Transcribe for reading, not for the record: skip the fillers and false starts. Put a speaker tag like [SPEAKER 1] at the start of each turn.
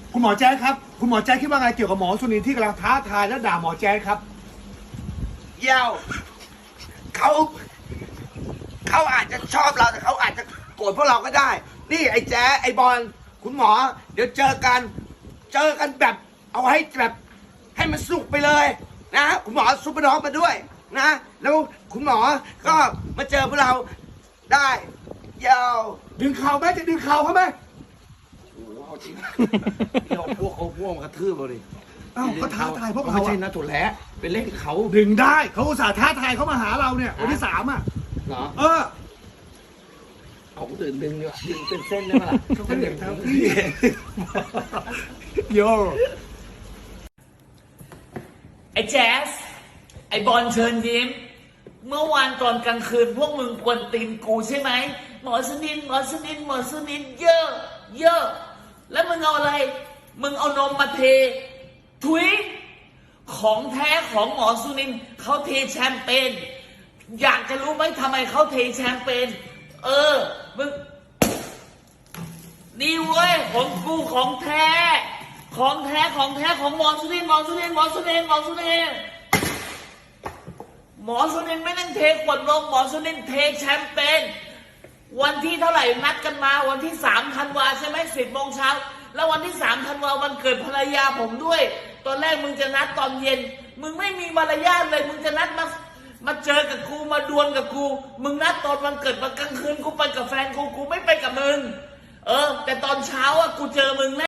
[SPEAKER 1] คุณหมอแจ๊คครับคุณหมอแจ๊คคิดว่าไงเกี่ยวกับหมอสุนินที่กำลังท้าทายและด่าหมอแจ๊คครับ
[SPEAKER 2] เยี่ยวเขาอาจจะชอบเราแต่เขาอาจจะโกรธพวกเราก็ได้ นี่ไอ้แจ๊ไอ้บอลคุณหมอ เดี๋ยวเจอกันแบบเอาให้แบบให้มันสุกไปเลยนะคุณหมอซุปเปอร์ด็อกมาด้วยนะแล้วคุณหมอก็มาเจอพวกเราได้เยี่ยว
[SPEAKER 1] ดึงเข่าไหมจะดึงเข่าเขาไหม
[SPEAKER 2] โอ้โหเอาจริงเดี๋ยวพวกมันกระทืบเราดิ
[SPEAKER 1] เอ้าก็ท้าทายพวกเรา
[SPEAKER 2] ไม่ใช่
[SPEAKER 1] อะ
[SPEAKER 2] นะถั่วแล้เป็นเล่นเขา
[SPEAKER 1] ดึงได้เขาอุตส่าห์ท้าทายเขามาหาเราเนี่ยวันที่3อ่ะ
[SPEAKER 2] เหรอ
[SPEAKER 1] เออ
[SPEAKER 2] เอาตื่นดึงดีกว่าดึงเป็นเส้นได้ไหมล่ะ
[SPEAKER 1] เขาก็เด็กครับโย
[SPEAKER 3] ไอ้แจ๊สไอ้บอลเชิญยิ้มเมื่อวานตอนกลางคืนพวกมึงกวนตีนกูใช่ไหมหมอสนินเยอะแล้วมึงเอาอะไรมึงเอานมมาเทถุยของแท้ของหมอสุนินเขาเทแชมเปญอยากจะรู้ไหมทำไมเขาเทแชมเปญมึงนี่เว้ยของกูของแท้ของหมอสุนินหมอสุนินไม่ต้องเทขวดนมหมอสุนินเทแชมเปญวันที่เท่าไหร่นัดกันมาวันที่3 ธันวาใช่ไหม10 โมงเช้าแล้ววันที่3 ธันวาวันเกิดภรรยาผมด้วยตอนแรกมึงจะนัดตอนเย็นมึงไม่มีมารยาทเลยมึงจะนัดมาเจอกับกูมาดวลกับกูมึงนัดตอนวันเกิดมากลางคืนกูไปกับแฟนกูไม่ไปกับมึงแต่ตอนเช้าอ่ะกูเจอมึงแน่